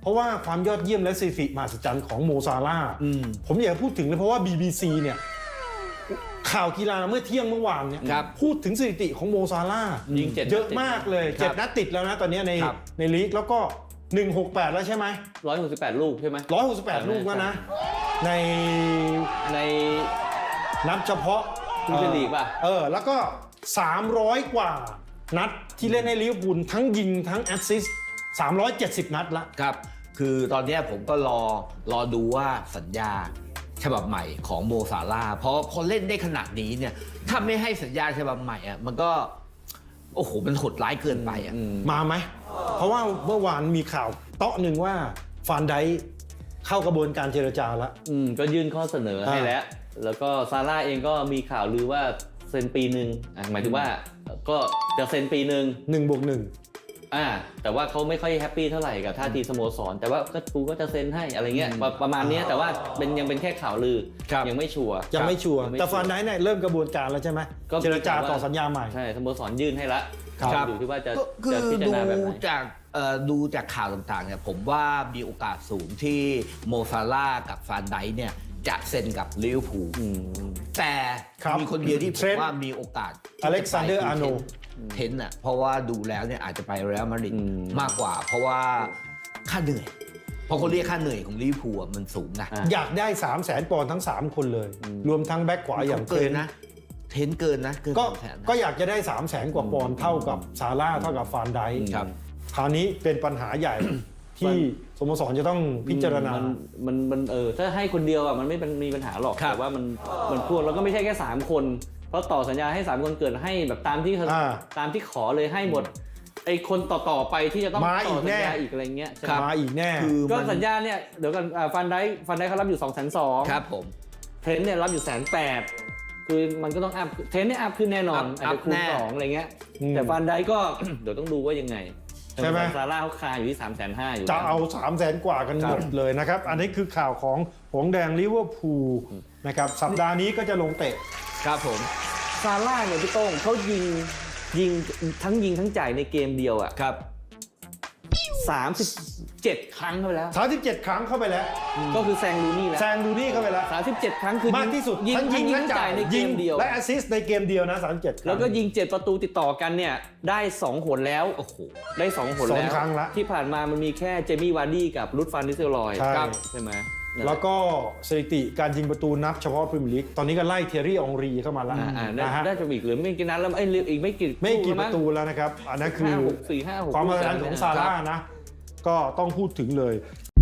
เพราะว่าความยอดเยี่ยมและสถิติมหัศจรรย์ของโมซาร่าห์ผมอยากพูดถึงเลยเพราะว่า BBC เนี่ยข่าวกีฬาเมื่อเที่ยงเมื่อวานเนี่ยพูดถึงสถิติของโมซาร่าห์ยิง7 เยอะมากเลย7 นัดติดแล้วนะตอนนี้ในลีกแล้วก็168แล้วใช่ไหม 168 ลูกใช่ไหม 168 ลูกแล้วนะในนับเฉพาะพรีเมียร์ลีกป่ะแล้วก็300 กว่านัดที่เล่นให้ลิเวอร์พูลทั้งยิงทั้งแอสซิสต์370 นัดละครับคือตอนนี้ผมก็รอดูว่าสัญญาฉบับใหม่ของโมซาร่าห์เพราะพอเล่นได้ขนาดนี้เนี่ยถ้าไม่ให้สัญญาฉบับใหม่อ่ะมันก็โอ้โหมันโหดร้ายเกินไปอ่ะมาไหมเพราะว่าเมื่อวานมีข่าวเตาะหนึ่งว่าฟานไดค์เข้ากระบวนการเจรจาแล้วก็ยื่นข้อเสนอให้แล้วก็ซาร่าเองก็มีข่าวลือว่าเซ็นปีหนึ่งหมายถึงว่าก็จะเซ็นปีหนึ่ง 1+1 แต่ว่าเขาไม่ค่อยแฮปปี้เท่าไหร่กับท่าทีสโมสรแต่ว่ากูก็จะเซ็นให้อะไรเงี้ยประมาณนี้แต่ว่ายังเป็นแค่ข่าวลือยังไม่ชัวร์แต่ฟานไดค์เนี่ยเริ่มกระบวนการแล้วใช่ไหมเจรจาต่อสัญญาใหม่ใช่สโมสรยื่นให้ละอยู่ที่ว่าจะพิจารณาแบบไหนดูจากข่าวต่างๆเนี่ยผมว่ามีโอกาสสูงที่โมซาร่าห์กับฟานไดค์เนี่ยจะเซ็นกับลิเวอร์พูลแต่มีคนเดียวที่ผมว่ามีโอกาสอเล็กซานเดอร์อาร์โนเทนน่ะเพราะว่าดูแล้วเนี่ยอาจจะไปเรอัลมาดริดมากกว่าเพราะว่าค่าเหนื่อยเพราะเขาเรียกค่าเหนื่อยของลิเวอร์พูลมันสูงนะอยากได้300,000 ปอนด์ทั้ง3 คนเลยรวมทั้งแบ็คขวาอย่างเกินนะเทนเกินนะก็อยากจะได้300,000 กว่าปอนด์เท่ากับซาร่าเท่ากับฟานไดค์คราวนี้เป็นปัญหาใหญ่ที่สโมสรจะต้องพิจารณามันถ้าให้คนเดียวอ่ะมันไม่มีปัญหาหรอกแต่ว่ามันพวกแล้วก็ไม่ใช่แค่3 คนเพราะต่อสัญญาให้3 คนเกิดให้แบบตามที่ขอเลยให้หมดไอ้คนต่อไปที่จะต้องต่อสัญญาอีกอะไรเงี้ยมาอีกแน่ก็สัญญาเนี่ยเดี๋ยวกันฟันได้เขารับอยู่220,000 ครับผมเทรนเนี่ยรับอยู่180,000คือมันก็ต้องอัพเทรนเนี่ยอัพขึ้นแน่นอนอาจจะคูณ2อะไรเงี้ยแต่ฟันได้ก็เดี๋ยวต้องดูว่ายังไงใช่ไหมซาร่าเขาคาอยู่ที่350,000อยู่จะเอา300,000 กว่ากันหมดเลยนะครับอันนี้คือข่าวของหงแดงลิเวอร์พูลนะครับสัปดาห์นี้ก็จะลงเตะครับผมซาร่าเนี่ยพี่โต้งเขายิงทั้งจ่ายในเกมเดียวอ่ะครับ 37 ครั้งเข้าไปแล้ว 37 ครั้งเข้าไปแล้วก็คือแซงลูนี่เข้าไปแล้ว 37 ครั้งคือมากที่สุดยิงทั้งจ่ายในเกมเดียวและแอสซิสต์ในเกมเดียวนะ37 แล้วก็ยิง7 ประตูติดต่อกันเนี่ยได้2 หนแล้วโอ้โหได้2 หนแล้ว 2 ครั้งละที่ผ่านมามันมีแค่เจมี่วาร์ดี้กับรุดฟานนิสเซลรอยใช่ไหมแล้วก็สถิติการยิงประตูนับเฉพาะพรีเมียร์ลีกตอนนี้ก็ไล่เทยรี่อองรีเข้ามาแล้วนะฮะได้จะอีกหรือไม่กี่นัดแล้วอีกไม่กี่ประตูแล้วนะครับอันนั้นคือความมหัศจรรย์ของซาร่าห์นะก็ต้องพูดถึงเลย